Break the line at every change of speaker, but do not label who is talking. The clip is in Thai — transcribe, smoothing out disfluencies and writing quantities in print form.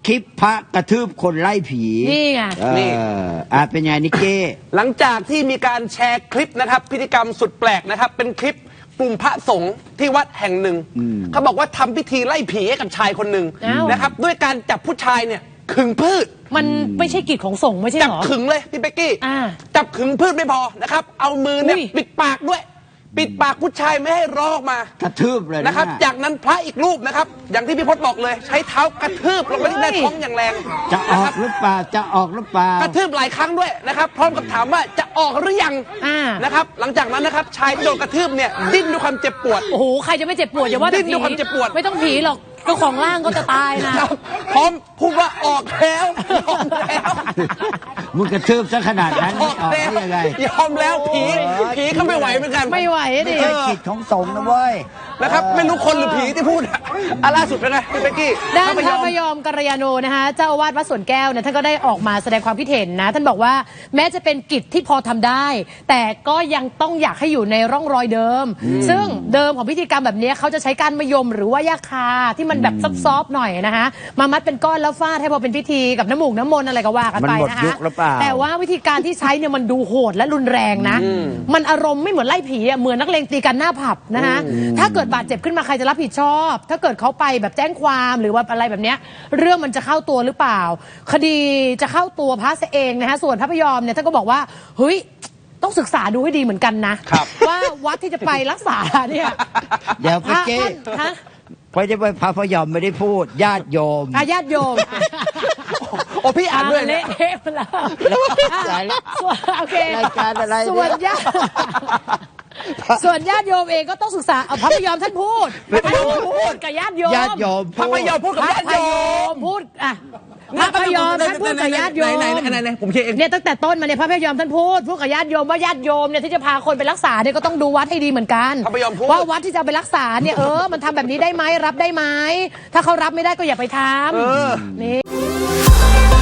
คลิปพระกระทืบคนไล่ผี
นี่ไง
นี่เป็นไงนิกเก้
หลังจากที่มีการแชร์คลิปนะครับพิธีกรรมสุดแปลกนะครับเป็นคลิปกลุ่มพระสงฆ์ที่วัดแห่งหนึ่งเขาบอกว่าทำพิธีไล่ผีให้กับชายคนหนึ่ง
อ้าว
นะครับด้วยการจับผู้ชายเนี่ยขึงพืช
มันไม่ใช่กิจของสงฆ์ไม่ใช่
จั
เหรอ
ขึงเลยพี่เป๊กกี้
อ่า
จับขึงพืชไม่พอนะครับเอามือเนี่ย
อุ้ย
ปิดปากด้วย ปิดปากผู้ชายไม่ให้ร้องออกมาก
ระทืบเลย
นะครับจากนั้นพระอีกรูปนะครับอย่างที่พี่พจน์บอกเลยใช้เท้ากระทืบลงไปที่หน้าท้องอย่างแรง
จะออกหรือเปล่าจะออกหรือเปล่าก
ระทืบหลายครั้งด้วยนะครับพร้อมกับถามว่าจะออกหรือยัง
อ่า
นะครับหลังจากนั้นนะครับชายที่โดนกระทืบเนี่ยดิ้นด้วยความเจ็บปวด
โอ้โหใครจะไม่เจ็บปวดอย่าว่าแต่
ดิ้นด้วยความเจ็บปวด
ไม่ต้องผีหรอกเจ้าของร่างก็จะตายนะ
ครับพร้อมพูดว่าออกแล้วยอมแล้ว
มึงกระทืบซะขนาดนั้น
อ
ไม่
อก
ออก
แล้ว
ได้ยังไง
ยอมแล้วผีก็ไม่ไหวเหมือนกัน
ไม่ไหวดิ
ไม่ใช่กิจของสงฆ์นะเว้ย
นะครับไม่รู้คนหรือผีที่พูดอ่ะล่าสุดเป็นไงพี่เป๊กกี้
ด้าน
พ
พ
ระ
ระ
พ
พ
ย
ย
อม
อมกัลยาโนนะคะเจ้าอาวาสวัดสวนแก้วเนี่ยท่านก็ได้ออกมาแสดงความคิดเห็นนะท่านบอกว่าแม้จะเป็นกิจที่พอทำได้ แต่ก็ยังต้องอยากให้อยู่ในร่องรอยเดิม ซึ่งเดิมของพิธีกรรมแบบนี้เขาจะใช้การมะยมหรือว่ายาคาที่มันแบบซอฟๆหน่อยนะคะมามัดเป็นก้อนแล้วฟาดให้พอเป็นพิธีกับน้ำมูกน้ำมนต์อะไรก็ว่ากันไป
มันหมด
นะคะ
ยุคหรือเปล่า
แต่ว่าวิธีการที่ใช้เนี่ยมันดูโหดและรุนแรงนะ มันอารมณ์ไม่เหมือนไล่ผีอะเหมือนนักเลงตีกันหน้าผับนะคะถ้าเกิดบาดเจ็บขึ้นมาใครจะรับผิดชอบ ถ้าเกิดเขาไปแบบแจ้งความหรือว่าอะไรแบบเนี้ยเรื่องมันจะเข้าตัวหรือเปล่า คดีจะเข้าตัวพระเองนะคะส่วนพระพยอมเนี่ยท่านก็บอกว่าเฮ้ยต้องศึกษาดูให้ดีเหมือนกันนะครับ ว่าวัดที่จะไปรักษาเนี่ย
เดี๋ยว
พระ
เจ๊
ท่านฮะ
เพราะจะไปพระพยอมไม่ได้พูดญาติโยม
ญาติโยม
โอ้พี่อ่านด้วย
เละ
เนี่ย
เทะไปแล้ว
สายแล้ว
ส่วนโอเค
รายการอะไรเนี่ย
ส่วนญาติส่วนญาติโยมเองก็ต้องศึกษาเอาพระพยอมท่านพูดท่านพูดกับญาติโยม
ญาติโยม
พระพยอมพูดกับญาติโยม
พูดอ่ะพระพยอมท่านพูดกับญาติโยม
ไหนผมเขียนเอง
เนี่ยตั้งแต่ต้นมาเนี่ยพระพยอมท่านพูดกับญาติโยมว่าญาติโยมเนี่ยที่จะพาคนไปรักษาเนี่ยก็ต้องดูวัดให้ดีเหมือนกัน
พระพยอมพูด
ว่าวัดที่จะเอาไปรักษาเนี่ยมันทำแบบนี้ได้ไหมรับได้ไหมถ้าเขารับไม่ได้ก็อย่าไปทำนี่